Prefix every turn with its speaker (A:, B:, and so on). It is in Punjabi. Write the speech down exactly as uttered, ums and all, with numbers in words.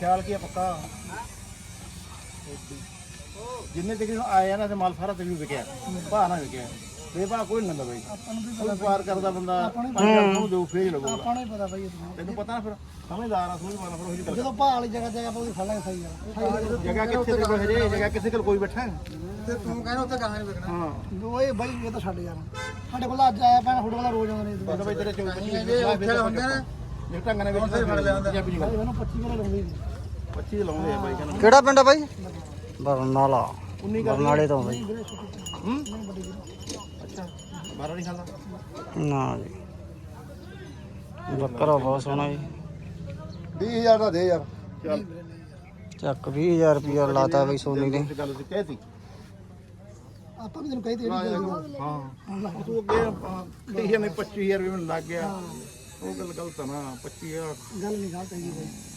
A: ਖਿਆਲ ਕੀ ਪੱਕਾ ਜਿੰਨੇ ਤੱਕ ਆਏ ਆ ਨਾ ਤੇ ਮਾਲ ਸਾਰਾ ਤੈਨੂੰ ਵਿਕਿਆ ਭਾਅ ਨਾ ਵਿਕਿਆ ਬੇਭਾ ਕੋਈ ਨਹੀਂ ਲੰਦਾ ਬਾਈ ਆਪਾਂ ਨੂੰ ਵੀ ਵਪਾਰ ਕਰਦਾ ਬੰਦਾ ਪੰਜ ਹਜ਼ਾਰ ਨੂੰ ਦੋ ਫੇਰ ਲਊਗਾ ਆਪਾਂ ਨੂੰ ਹੀ ਪਤਾ ਬਾਈ ਤੈਨੂੰ ਪਤਾ ਨਾ ਫਿਰ ਸਮਝਦਾਰ ਆ ਸਮਝ ਪਾਣਾ ਫਿਰ ਉਹੀ ਗੱਲ ਜਦੋਂ ਭਾਅ ਵਾਲੀ ਜਗ੍ਹਾ ਜਗ੍ਹਾ ਆਪਾਂ ਉਹਦੀ ਫੜਾਂਗੇ ਸਹੀ ਆ ਜਗ੍ਹਾ ਕਿੱਥੇ ਤੇ ਕੋਈ ਹਜੇ ਜਗ੍ਹਾ ਕਿਸੇ ਕੋਲ ਕੋਈ ਬੈਠਾ ਤੇ ਤੂੰ ਕਹਿੰਦਾ ਉੱਥੇ ਗਾਹਾਂ ਨਹੀਂ ਵਿਕਣਾ ਹਾਂ ਓਏ ਬਾਈ ਇਹ ਤਾਂ ਛੱਡ ਯਾਰ ਸਾਡੇ ਕੋਲ ਅੱਜ ਆਇਆ ਪੈਣਾ ਤੁਹਾਡੇ ਕੋਲ ਰੋਜ਼ ਆਉਂਦੇ ਨੇ ਬਾਈ ਤੇਰੇ ਚੌਵੀ ਪੱਚੀ ਉੱਥੇ ਹੁੰਦੇ ਨੇ ਜੇ ਢੰਗ ਨਾਲ ਵਿੱਚ ਫੜ ਲਿਆ ਹੁੰਦਾ ਪੰਜਾਬੀ ਗੱਲ ਇਹਨੂੰ ਪੱਚੀ ਵਾਲਾ ਲਾਉਂਦੇ ਨੇ ਪੱਚੀ ਲਾਉਂਦੇ ਆ ਬਾਈ ਕਹਿੰਦਾ
B: ਕਿਹੜਾ ਪਿੰਡ ਆ ਬਾਈ ਬਰਨਾਲਾ ਬਰਨਾਲੇ ਤੋਂ ਬਾਈ
A: ਹੂੰ ਅੱਛਾ ਬਾਰਾ ਨਹੀਂ ਖਾਂਦਾ
B: ਨਾ ਜੀ ਬੱਕਰਾ ਬਹੁਤ ਸੋਹਣਾ ਜੀ
A: ਵੀਹ ਹਜ਼ਾਰ ਦਾ ਦੇ ਯਾਰ ਚੱਲ
B: ਚੱਕ ਵੀਹ ਹਜ਼ਾਰ ਰੁਪਇਆ ਲਾਤਾ ਬਈ ਸੋਨੀ ਨੇ
A: ਗੱਲ ਸੀ ਕਹਿਤੀ ਆਪਾਂ ਵੀ ਤੈਨੂੰ ਕਹਿ ਦਿੱਤੀ ਹਾਂ ਤੂੰ ਅੱਗੇ ਤੀਹ ਨੇ ਪੱਚੀ ਹਜ਼ਾਰ ਵੀ ਮੈਨੂੰ ਲੱਗ ਗਿਆ ਉਹ ਗੱਲ ਗਲਤ ਆ ਨਾ ਪੱਚੀ ਹਜ਼ਾਰ ਗੱਲ ਨਹੀਂ ਗਲਤ ਹੈਗੀ ਬਾਈ